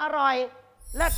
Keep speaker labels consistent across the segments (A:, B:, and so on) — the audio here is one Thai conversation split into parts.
A: อร่อยเลิศ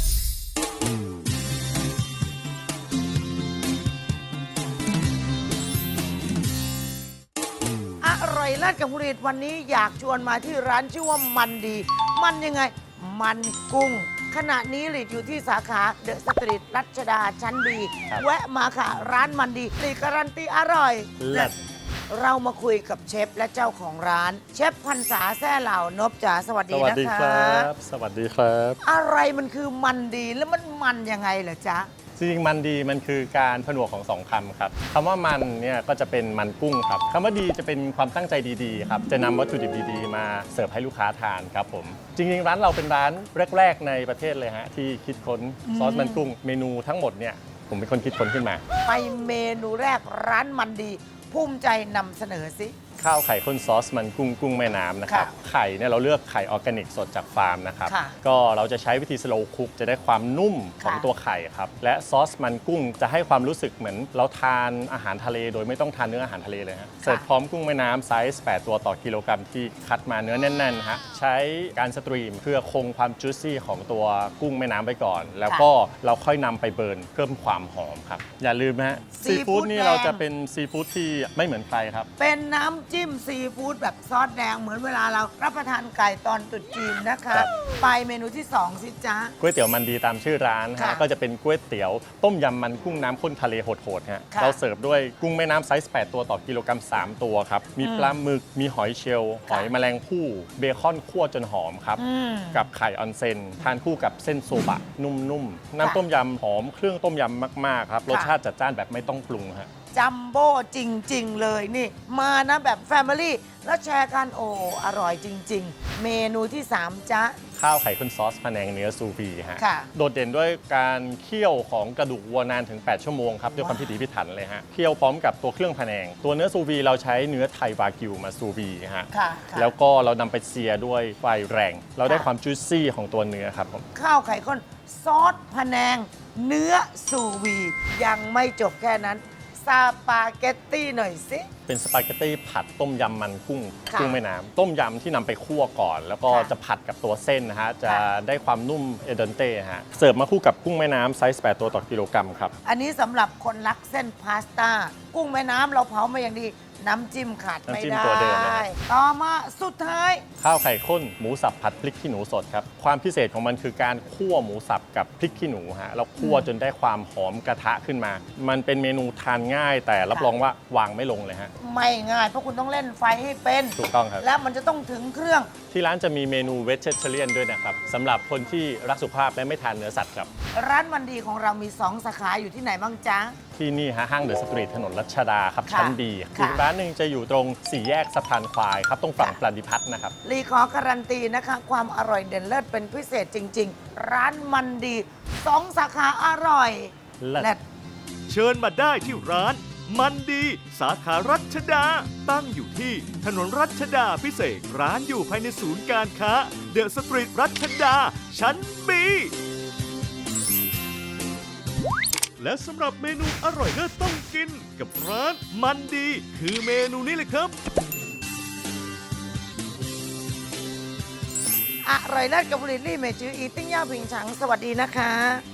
A: อร่อยเลิศกับผลิตวันนี้อยากชวนมาที่ร้านชื่อว่ามันดี มันยังไง มันกุ้ง ขณะนี้หลีดอยู่ที่สาขาเดอะสตรีทรัชดาชั้นบีแวะมาค่ะ ร้านมันดีหลีการันตีอร่อยเลิศเรามาคุยกับเชฟและเจ้าของร้าน เชฟพรรษาแซ่เหล่านบจ๋าสวัสดีนะคะ
B: สวัสดีครับสวัสดีครับ
A: อะไรมันคือมันดีแล้วมันยังไงเหรอจ๊ะ
B: จริงๆมันดีมันคือการผนวกของสองคำครับคำว่ามันเนี่ยก็จะเป็นมันกุ้งครับคำว่าดีจะเป็นความตั้งใจดีๆครับจะนำวัตถุดิบดีๆมาเสิร์ฟให้ลูกค้าทานครับผมจริงๆร้านเราเป็นร้านแรกๆในประเทศเลยฮะที่คิดค้นซอสมันกุ้งเมนูทั้งหมดเนี่ยผมเป็นคนคิดค้นขึ้นมา
A: ไปเมนูแรกร้านมันดีภูมิใจนำเสนอสิ
B: ข้าวไข่ข้นซอสมันกุ้งแม่น้ำนะครับไข่เนี่ยเราเลือกไข่ออร์แกนิกสดจากฟาร์มนะครับก็เราจะใช้วิธีสโลว์คุกจะได้ความนุ่มของตัวไข่ครับและซอสมันกุ้งจะให้ความรู้สึกเหมือนเราทานอาหารทะเลโดยไม่ต้องทานเนื้ออาหารทะเลเลยฮะเสิร์ฟพร้อมกุ้งแม่น้ำไซส์8ตัวต่อกิโลกรัมที่คัดมาเนื้อแน่นๆฮะใช้การสตรีมเพื่อคงความจุยซี่ของตัวกุ้งแม่น้ำไปก่อนแล้วก็เราค่อยนำไปเบิร์นเพิ่มความหอมครับอย่าลืมนะฮะซีฟู้ดนี่เราจะเป็นซีฟู้ดที่ไม่เหมือนใครครับ
A: เป็นน้ำจิ้มซีฟู้ดแบบซอสแดงเหมือนเวลาเรารับประทานไก่ตอนตรุษจีนนะคะไปเมนูที่2สิจ๊ะ
B: ก๋วยเตี๋ยวมันดีตามชื่อร้านฮะก็จะเป็นก๋วยเตี๋ยวต้มยำมันกุ้งน้ำข้นทะเลโหดๆฮะเราเสิร์ฟด้วยกุ้งแม่น้ำไซส์8ตัวต่อกิโลกรัม3ตัวครับมีปลาหมึกมีหอยเชลล์หอยแมลงภู่เบคอนคั่วจนหอมครับกับไข่ออนเซนทานคู่กับเส้นโซบะนุ่มๆน้ำต้มยำหอมเครื่องต้มยำมากๆครับรสชาติจัดจ้านแบบไม่ต้องปรุงฮะ
A: จัมโบ้จริงๆเลยนี่มานะแบบแฟมิลี่แล้วแชร์กันโอ้อร่อยจริงๆเมนูที่3จ๊ะ
B: ข้าวไข่ข้นซอสพะแนงเนื้อซูวีฮะโดดเด่นด้วยการเคี่ยวของกระดูกวัวนานถึง8ชั่วโมงครับด้วยความพิถีพิถันเลยฮะเคี่ยวพร้อมกับตัวเครื่องพะแนงตัวเนื้อซูวีเราใช้เนื้อไทยวากิวมาซูวีฮะแล้วก็เรานำไปเซียด้วยไฟแรงเราได้ความจุยซี่ของตัวเนื้อครับผม
A: ข้าวไข่ข้นซอสพะแนงเนื้อซูวียังไม่จบแค่นั้นสปาเกตตี้หน่อยสิ
B: เป็นสปาเกตตี้ผัดต้มยำมันกุ้งแม่น้ำต้มยำที่นำไปคั่วก่อนแล้วก็จะผัดกับตัวเส้นนะฮะจะได้ความนุ่มเอเดนเต้ฮะเสิร์ฟมาคู่กับกุ้งแม่น้ำไซส์8ตัวต่อกิโลกรัมครับ
A: อันนี้สำหรับคนรักเส้นพาสต้ากุ้งแม่น้ำเราเผามาอย่างดีน้ำจิ้มขาดไม่ได้ต่อมาสุดท้าย
B: ข้าวไข่ข้นหมูสับผัดพริกขี้หนูสดครับความพิเศษของมันคือการคั่วหมูสับกับพริกขี้หนูฮะเราคั่วจนได้ความหอมกระทะขึ้นมามันเป็นเมนูทานง่ายแต่รับรองว่าวางไม่ลงเลยฮะ
A: ไม่ง่ายเพราะคุณต้องเล่นไฟให้เป็น
B: ถูกต้องครับ
A: แล้วมันจะต้องถึงเครื่อง
B: ที่ร้านจะมีเมนูเวจเจเรียนด้วยนะครับสำหรับคนที่รักสุขภาพและไม่ทานเนื้อสัตว์ครับ
A: ร้านมันดีของเรามี2สาขาอยู่ที่ไหนบ้างจ๊ะ
B: ที่นี่ฮะห้างเดอะสตรีทถนนรัชดาครับชั้นบีอีกร้านหนึ่งจะอยู่ตรง4แยกสะพานควายครับตรงฝั่งปฏิพัฒน์นะครับ
A: รีขอการันตีนะคะความอร่อยเด่นเลิศเป็นพิเศษจริงๆร้านมันดี2สาขาอร่อย
B: เลิศ
C: เชิญมาได้ที่ร้านมันดีสาขารัชดาตั้งอยู่ที่ถนนรัชดาพิเศษร้านอยู่ภายในศูนย์การค้าเดอะสตรีทรัชดาชั้นบีและสำหรับเมนูอร่อยเลิศต้องกินกับร้านมันดีคือเมนูนี้เลยครับ
A: อร่อยเลิศกับผลิตลี่เมจืออีติ้งย่าผิงฉังสวัสดีนะคะ